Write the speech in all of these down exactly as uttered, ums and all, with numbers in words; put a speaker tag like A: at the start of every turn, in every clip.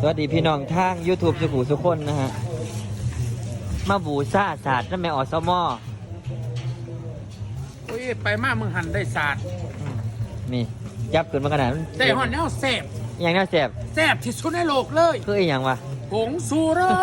A: วัสดีพี่น้องทาง YouTube สุขุสุขคนนะฮะมาบูซ่าศาสตร์นั่นแม่อสมอ
B: โอ้ยไปมากมึงหันได้ศาสตร์
A: นี่จับขึ้นมาขนาดนั้น
B: ได้หอนแนวแสบ
A: อย่างน่าแสบ
B: แสบที่สุดในโลกเลย
A: คืออีกอย่างวะ
B: ผงซูเรอ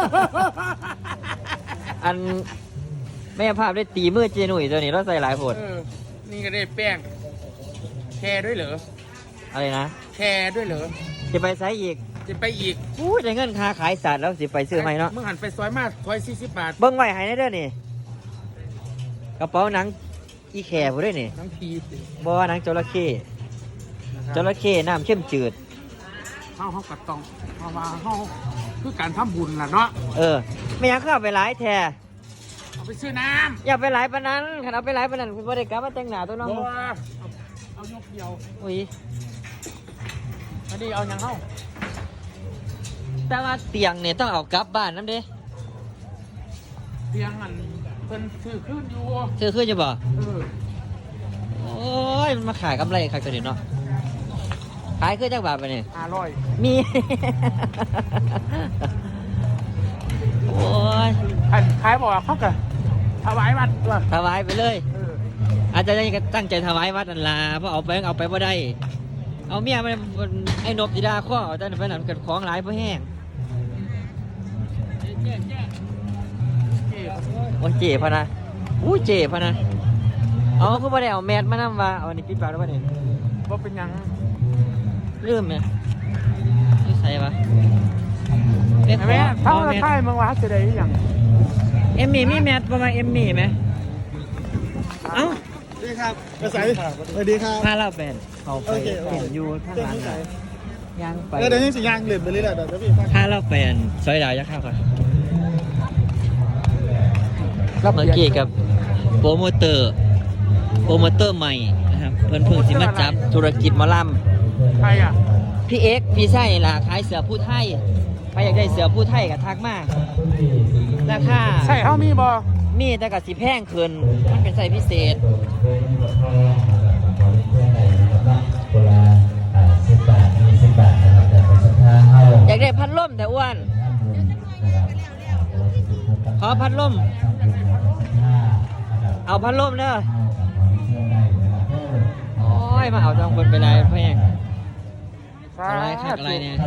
A: อันแม่ภาพได้ตีมือเจนุ่ยตัวนี้เราใส่หลายผล
B: นี่ก็ได้แป้งแคร์ด้วยเหรอ
A: อะไรนะ
B: แคร์ด้วยเหรอ
A: จะไปไซอีก
B: จะไปอีก
A: อู้ได้เงินค่าขายศาสตร์แล้วสิไปซื้อไหมเนาะ
B: มึงหันไปซอยมากซอยสี่สิบบาท
A: เบิ้งไหวหายได้เด้อนี่กระเป๋าหนังอีแคร์ผู้ด้วยนี่
B: หนังพี
A: บ่หนังจระเข้จระเข้น้ำเข้มจืด
B: เข้าเขากัดตองเพราะว่าเขาคือการทำบุญล่ะเนาะ
A: เออไม่อยากเข้าไปหลายแท้
B: เอาไปซื้อน้
A: ำอย่าไปหลายปานนั้นขันเอาไปหลายปานนั้นคุณบริการมาแต่งหน้าตัวน้อง
B: เอาเอายกเดียว
A: อุ้ย
B: อันนี้เอาอย่างเข้า
A: แต่ว่าเตียงเนี่ยต้องเอากลับบ้านน้ำเด้
B: เตียงอันเพิ่นซื้อขึ้นอยู่
A: ซื้อขึ้นจะบ่
B: เออ
A: โอ้ยมันมาขายกำไรขายตัวนี้เนาะขายขึ้นจากบาทไปเนี่ย
B: ห้าร้อย
A: มีโอ้ย
B: อันขายบอกว่าเขากะถวายวัดตัว
A: ถวายไปเลยอาจจะยังตั้งใจถวายวัดนั่นล่ะเพราะเอาไปเอาไปบ่ได้เอาเมียมันไอ้นบจีดาข้อแต่ไปหนังเกิดของหลายเพราะแห้งโอ้เจ๋พะนะอู้เจ๋พะนะเอาคือบ่ได้เอาแมสมานำว่าเอาอันนี้ปิดปากแล้วบ่เนี่ย
B: บ่เป็นยัง
A: ลืมไหมนี่ใส่ปะ
B: แม่เท่าไทยมึงว่าจะได้ยัง
A: เอ็มมี่มีแมสประมาณเอ็มมี่ไหมเอ้า
C: สวัสดีครับกระใสสวัสดีครับ
A: พาเราเป็นเขาไปเห็นยูข้างหลังย่างไป
C: เดี๋ยวยังสิย่างเหลือไปเรื่อยๆเดี๋ยวพี่
A: พาเราเป็นซอยดาวยักษ์ข้าวค่ะเมื่อกี้กับโปรโมเตอร์โปรโมเตอร์ใหม่นะครับเพื่อนเพิ่งสิมาจับธุรกิจมอลำ
B: ใครอ่ะ
A: พี่เอ็กพี่ไส้ล่ะขายเสือผู้ไทยใครอยากได้เสือผู้ไทยกับทักมาราคา
B: ใช่เขามีบอ
A: มีแต่กับสีแพงขึ้นมันเป็นไส้พิเศษอยากได้พัดลมแต่อ้วนขอพัดลมเอาพัดลมเด้อโอ้ยมาเอาจองคนไปเลยแพงอะไรคักอะไรเนี่ย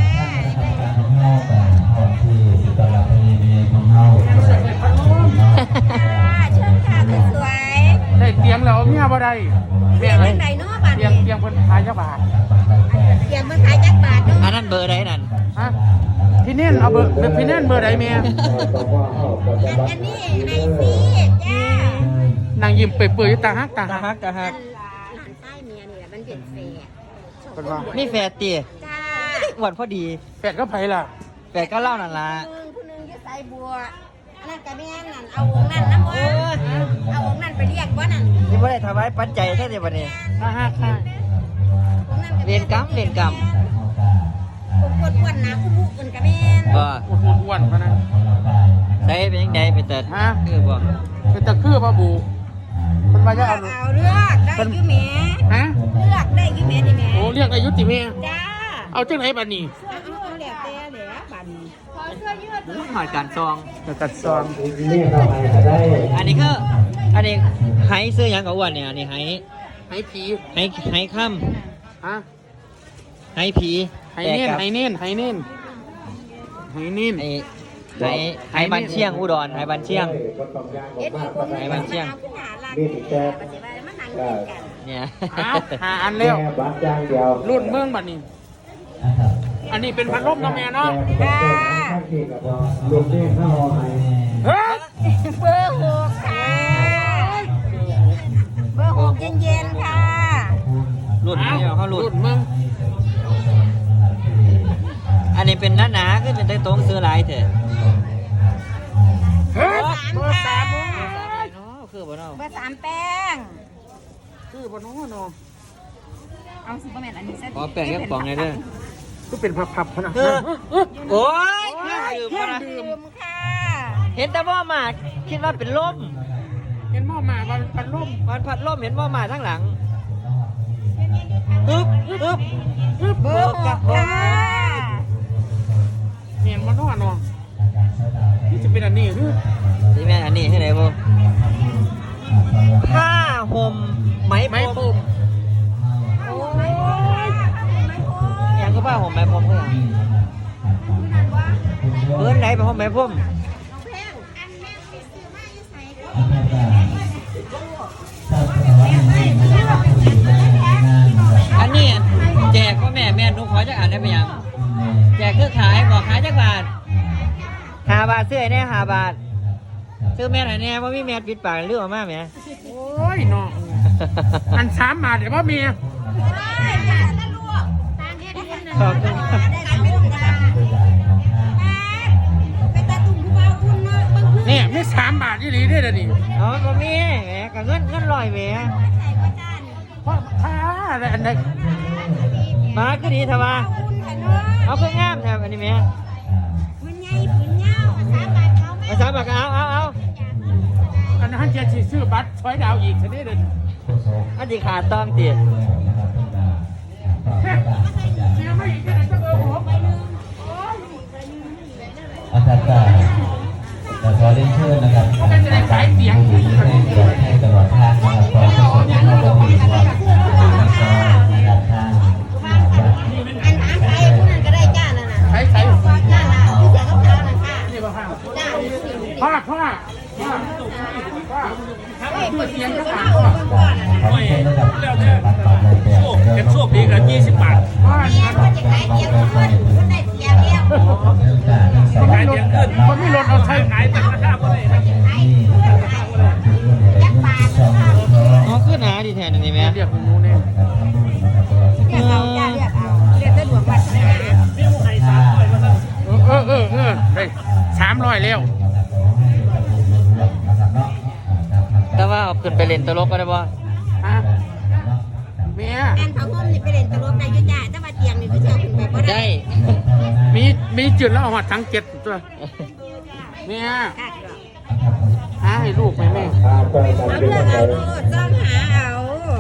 D: สวย
B: ได้เตียงแล้วเมียบ่ได้
D: เตียงไหนเนาะบาท
B: เตียงเตียงเพิ่นขายจักบาท
D: เตียงมันขายจักบาทเนาะ
A: อันนั้นเบอร์ใดนั่น
B: ฮะพี่เน่นเอาเบอร์พี่เน่นเบอร์ใดเมีย
D: อันนี้ไอซีจ้าน
B: างยิ้มเปื่อยๆตาฮักตา
A: ฮักตาฮัก
D: หลานใต้เมียนี่แหละมันเป็นแฝด
B: เป็นว่า
A: นี่แฝดตี
D: จ้า
A: หวานพอดี
B: แฝดก็ไผล่ะ
A: แฝดก็เล่านั่นล่ะ
D: ผู้นึงอยู่ไสบัวอันนั้นก็แม่นั่นเอาวงนั่นน้ำบ่เอาวงนั่นไปเรียกบ่นั่น
A: นี่บ่ได้ถวายปัจจัยแท้ๆบัดนี้
B: ตาฮักค่ะ
A: เรียนกรรมเรียนกรรม
D: ผมกดอ้วนนะคุณลูกอื่นก็แม่น
A: บ่
B: อ้วนๆพะนะ
A: ใส่เป็นจังได๋เป็นแต่
B: ฮะ
A: คือบ่
B: เป็นตะคือบ่บูเพิ่นว่าจะเอา
D: เอาเลือกได้อยู่แม่
B: ฮะ
D: เลือกได้อยู่แม่นี่แม่
B: โอ้เรียกอายุติแม่
D: จ้า
B: เอาจังไหนบัดนี้
D: เอาแหลกแต่แหลกบัดนี้ขอเสื้อยืด
A: หอดการซอง
B: การซอง
A: อันนี้คืออันนี้ไห้ซื้อหยังกับอ้วนเนี่ยอันนี้ไห้
B: ไห้ผี
A: ไห้ไห้ค่ำ
B: ฮะ
A: ไห้ผี
B: ไห้เน้นไห้เน้นไห้เน้นไห้เน้น
A: ไห้ไห้ไห้บันเชียงอุดรไห้บันเชียงไห้บันเชียงเนี่ย
B: หาอันเร็วรุ่นเมืองบัดนี้อันนี้เป็นพัดลมน้องแม่เนาะ
D: เบอร์หกค่ะเบอร์หกเย็นๆค่ะ
A: รุ่นเนี่ยเขารุ่น
B: เมือง
A: อันนี้เป็นหนาๆก็เป็นตรงซื้อหลายเถอะ
D: เบอร์สาม
A: คือบ่เนาะ
D: เบอร์สามแป้ง
B: คือบ่เนาะเนาะ
D: เอาซุปเปอร์แมนอันนี้เซ็ต
A: ขอแป้งกับป๋องเลยเด้อ
B: ก็เป็นพับๆพนะ
A: โอ้ย
D: เครื่องดื่มค่ะ
A: เห็นแต่ว่ามาคิดว่าเป็นลม
B: เห็นหม้อมาวันพัดลม
A: วันพัดลมเห็นว่ามาทั้งหลังฮึบฮึบฮึบ
D: เบอร์หกค่ะ
A: ผมเขาอย่างเพื่อนไหนไปห้องแม่พุ่มอันนี้แจกว่าแม่แม่นุ๊กขอจะอ่านได้ไหมยังแจกคือขายบอกขายจักบาทห้าบาทซื้อไอ้แน่ห้าบาทซื้อแม่ไหนแน่ว่ามีแม่ปิดปากเรื่องออกมาไหม
B: โอ้ยน้องอันสามบาทเดี๋ยวพ่อเมีย
A: ขอบคุณ
B: เนี่ยไม่สามบาทที่หลีได้เลยดิ
A: อ๋อบ่มีแหมกับเงินเงินลอยแหม
B: เพราะถ้าอะไรอันใด
A: มาก็ดีทว่าเอาเพื่องามแถวอันนี้แหมภาษาปากเอาเอาเอา
B: อันนั้นจะซื้อบัตรช้อยดาวอีกชนิดเดียว
A: อันที่ขาดต้องตี
B: ซื้อไม่อีกแค่ไหนจะเออผม
E: อาจารย์ก็จะขอเรียนเชิญนะครับให้ตลอดทางนะครับขอทุกคนที่เข้ามามีความสุขนะครับทาง
D: อันอาใครผู้นั้นก็ได้จ้านั่นน่ะ
B: ใช้ใช้
D: จ้าน่ะที่เสียงเขาๆนั่นค่ะ
B: นี่บ้าง
D: จ้า
B: พ่อพ่อพ่อพ่อ
D: เฮ้ย
B: ตัวเสียงก็
D: เขา
B: ขาด
D: เอา
B: พ่อ
D: เบิ่งก่อนน่ะ
E: ขอเชิญนะครับบัตรต่อไปแบบ
F: เก็บโชคดีกันยี่สิบบาท
B: พ่อ
D: เมียเขาจะขายเดียวคนคนได้เสียเดียว
B: ขายเดียวขึ้นคนไม่ลดเอาใช้ขายแต่ราคาเท่าไหร่
D: ยักษ์ปากนะคะ
A: อ๋อขึ้นหาดีแทนอันนี้แหม
B: เรียกหนูเนี่ย
D: เรียกเอาจ้าเรียกเอาเรียกสะดวกวัฒนา
B: เออเออเออได้สามร้อยแล้ว
A: แต่ว่าเอาขึ้นไปเล่นตลกก็ได้บ่
B: ฮะเมีย
D: อันเขาห่มนี่ไปเล่นตลกได้อยู่จ้าแต่ว่าเตียงนี่คือเชื่อขึ้นไปบ่ได้
A: ได้
B: มีมีจุดแล้วเอามาทั้งเจ็ดตัวเมีย
D: ค่ะ
B: หาให้ลูกไหมแม่
D: เอาเลือกเอาโลดจ้องหาเอา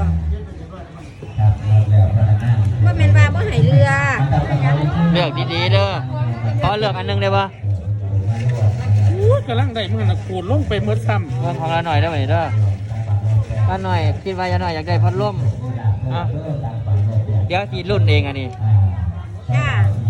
D: ว่าแม่นว่าบ่ให้เรือ
A: เลือกดีๆเด้อขอเลือกอันหนึงได้บ่
B: อู้กำลังได้มือนะขูดลงไปเมื่อซ้
A: เลือกของเราหน่อยได้ไหมเด้อป้าหน่อยคิดว่าจะหน่อยอยากได้พัดลมอ่ะเดี๋ยวสีรุ่นเองอันนี้
D: จ้า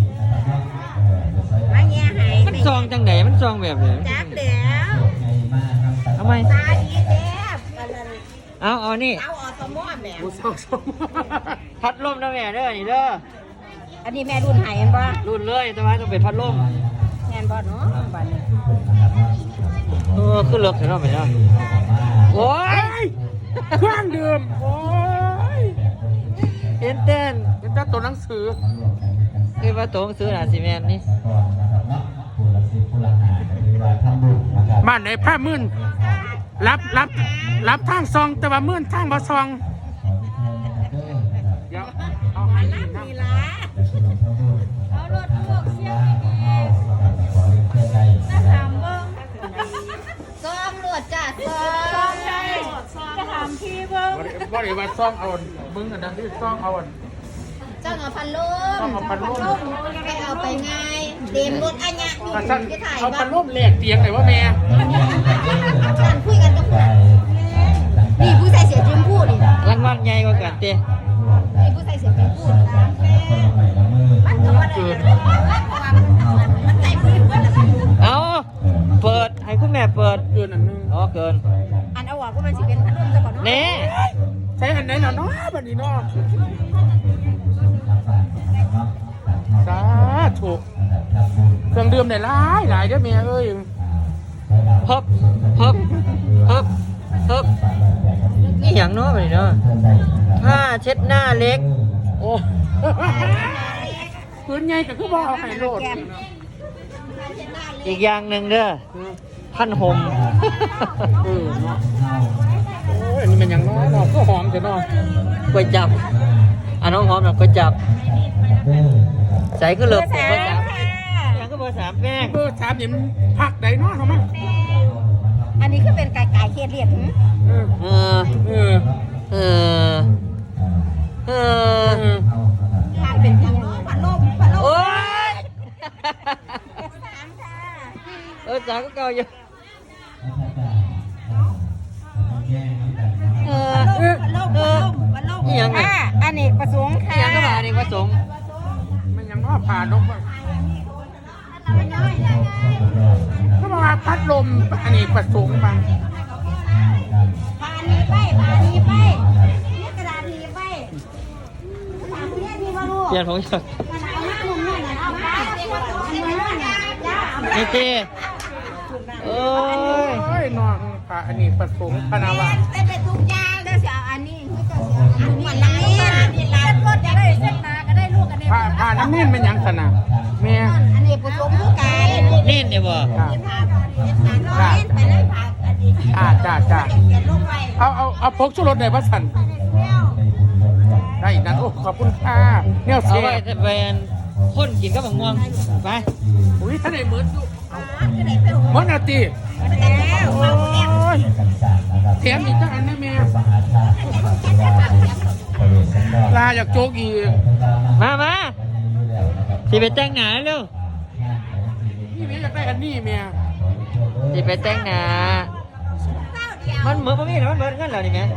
D: มาแง่ให้
A: มันซองจังไหนมันซองแบบไหน
D: จักแล้ว
A: ทำไม
D: ตาดีแซ่บอันนั้น
A: เอาเอานี่
D: เอาออสมอแหม่
B: ำกูสองสอง
A: พัดลมนะแม่เด้อนี่เด้อ
D: อันนี้แม่รุ่นไห้เห็นบ่
A: รุ่นเลยแต่ว่าต้องเป็นพัดลม
D: แม่นบ่เนาะบัดนี้
A: เออขึ้นเลือกเห็นไหมเนาะโอ้ย
B: เครื่องดื่มโอ้ย
A: เต้นเต้น
B: เป็นแต่ตัวหนังสือ
A: คือว่าโต้งซื้อหนาซีเมนต์นี่
B: บ้านไหนผ้ามื่นรับรับรับทางซองแต่ว่ามื่นทางบ่ซองเดี๋ยวเอาให้นี่นะ
D: นี่ล่ะเอารถพวกเสียงถามเบิ่งซ้อมรถจ้ะซ้อมได้จะถามพี่เบิ่ง
B: บ่ได้บ่ได้ว่าซองเอามึงอันนั้นที่ซองเอาอัน
D: เจ้าเอาพันลม
B: เอาพัดลม
D: ไปเอาไปไงเต็มรถอันเนี้ย
B: กระสัน
D: ที่ถ่าย
B: เอา
D: บ้า
B: พั
D: น
B: ดลมแหลกเตียงไหนว่าแม่
D: การคุยกันกับนี่ผู้ใส่เสียจิ้มพูดนี่
A: รางวัลใหญ่กว่ากันเต้
D: นี่ผู้ใส่เสียจิ้มพูดนะมันก็ว่าได้มันใส่พื้นเพื่อนแล้วมัน
A: เอาเปิดให้คุณแม่เปิด
B: เกินอันนึง
A: อ๋อเกิน
D: อันเอาออกก็มันสิเป็นพันลมซะก่อนเนาะ
A: เน่
B: ใช้อันไหนเนาะเนาะบัดนี้เนาะสาธุเครื่องดื่มได้หลายหลายเด้อแม่เอ้ย
A: เพิ่มเพิ่มเพิ่มเพิ่มนี่อย่างเนาะแบบนี้เนาะผ้าเช็ดหน้าเล็ก
B: โอ้พื้นใหญ่ก็คือบ่เอาให้โลด
A: อีกอย่างหนึ่งเด้อท่านหม
B: เออเนาะโอ้ยอันนี้มันยังน้อยเนาะก็หอมจะเนาะ
A: ก๋วยจับอันน้องหอมน่ะก๋วยจับใส่ก็เลิกเบอร์สามยังก็เบอร์สามแป้ง
B: เบอร์สามนี่มันพักใดเนาะเฮามัน
D: อันนี้คือเป็นไก่ไก่เครียดเรียดหึ
B: เออ
A: เออ
B: เออ
A: เออเอ
B: เอ
A: อ
B: อ
D: ทานเป็นยังพันลมพันลม
A: โอ๊ย
D: สามค่ะ
A: เออสามก็เก่าอยู่เออ
D: พันลมพันลมพันลม
A: นี่ยังไง
D: อ่าอันนี้ประสงค์ค่ะ
A: นี่ยังก็มาอันนี้ผสม
B: มันยังน้ว่าผ่านกก็บอกว่าพัดลมอันนี้ประสงค์บาง
D: พานีไปพานีไปเนี่ยกระดาษนีไปถามเนี่ยนี่ว่าลูก
A: เปลี่ยนผมจะ
D: มันเอาหน้ามุมนี่นะเอาไปเอาไปเอาไปจ้า
A: ไอ้เต้โอ้ย
B: โอ้ยน้องพาอันนี้ประสงค์พนาวา
D: เป็นเป็นทุกอย่างเด้อเสียอันนี้คือจะเสียอันนี้น้ำนี่นี่ร้านรถจะได้เส้นนาก็ได้ลูกอันนี้
B: พาพาน้ำนิ่นเป็นหยังสนะแม่
D: อันนี้ผสมคือกัน
A: เน่นเนี่ยบ่
B: จ้า
D: ร้อยไปเลยผักอันนี้
B: จ้าจ้าจ้า
D: เขียนลงไป
B: เอาเอาเอาพกชุรสได้ปะสันได้นั่นโอ้ขอบคุณค่ะเนี่ย
A: เอา
B: เสีย
A: ไว้จะเป็นคนกินก็บังม่วงไป
B: อุ้ยท่านไหนเหมือนอยู่
D: ก็ได้ไปหัว
B: มอนาตี
D: แล้ว
B: โอ้ยแถมอีกจังอันนะแม่
E: มหาชาตินะครับที่ว่าเป็นบริเวณสันดอน
B: ลาอยากโจกอีก
A: มามาสิไปแต่งหน้าเร็ว
B: นี่แม่อยากได้อันนี้แม่
A: สิไปแต่งหน้ามันเหมือนบ่มีนะมันเหมือนกันแล้วนี่แม่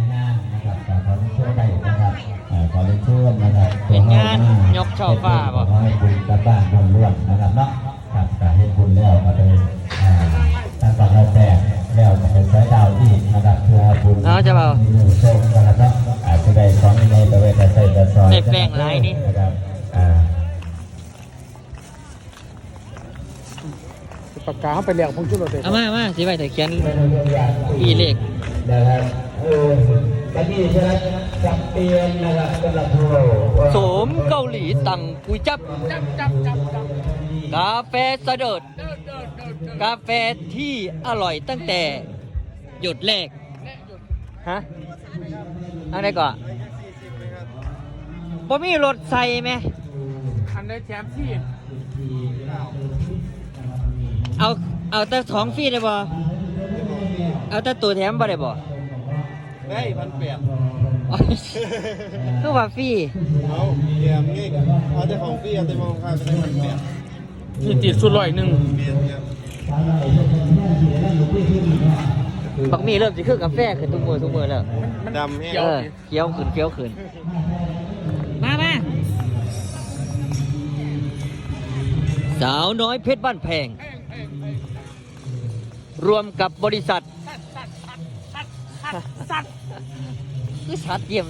E: ขอเรียนเชิญนะครับ
A: เป็นงานยกช่อฟ้าบ่
E: ขอให้บุญกลับบ้านล้วนๆนะครับเนาะครับการให้บุญแล้วมาเลยทางฝั่งเราแตกแล้วจะเป็นสายดาวที่นะครับเพื่อบุญ
A: เอาจะเบา
E: มีหนึ่งโชคนะครับเนาะอาจจะได้ของในตะเวนตะไซตะซอย
A: ได้แป้งหลายนี่
E: นะครับอ่า
B: ปากกาเขาไปเลี้ยงพงชุรสเลย
A: เอามามาสิไปแต่เขียนปีเลข
E: นะครับเออวันนี้ใช่ไหมจับเปลี่ยนนะครับสำหรับผู้
A: โสมเกาหลีตังกุยจับ
B: จับจับจับจับ
A: กาแฟเสดิร์ดกาแฟที่อร่อยตั้งแต่หยดแรกฮะเอะไรก่อนบ่มีรถใส่ไหม
B: อันได้แถมที่
A: เอาเอาแต่ของฟรีได้บ่เอาแต่ตัวแถมบ่ได้บ่
C: ได้พันแปด
A: คือว่าฟรี
C: เอาเยี่ยมงี้เอาแต่ของพี่เอาแต่มองข้าวก็ได้พันแปด
B: นี่ติดสุดร้อยหนึ่ง
C: เบียร์เนี่ย
A: บักมีเริ่มสิคือกาแฟขึ้นทุกมือทุกมือแล้ว
C: ดำแห้ง
A: เออเคี้ยวขึ้นเคี้ยวขึ้นมามาสาวน้อยเพชรบ้านแพง รวมกับบริษัท
B: สัตว์
A: คือสัตว์เยี่ยม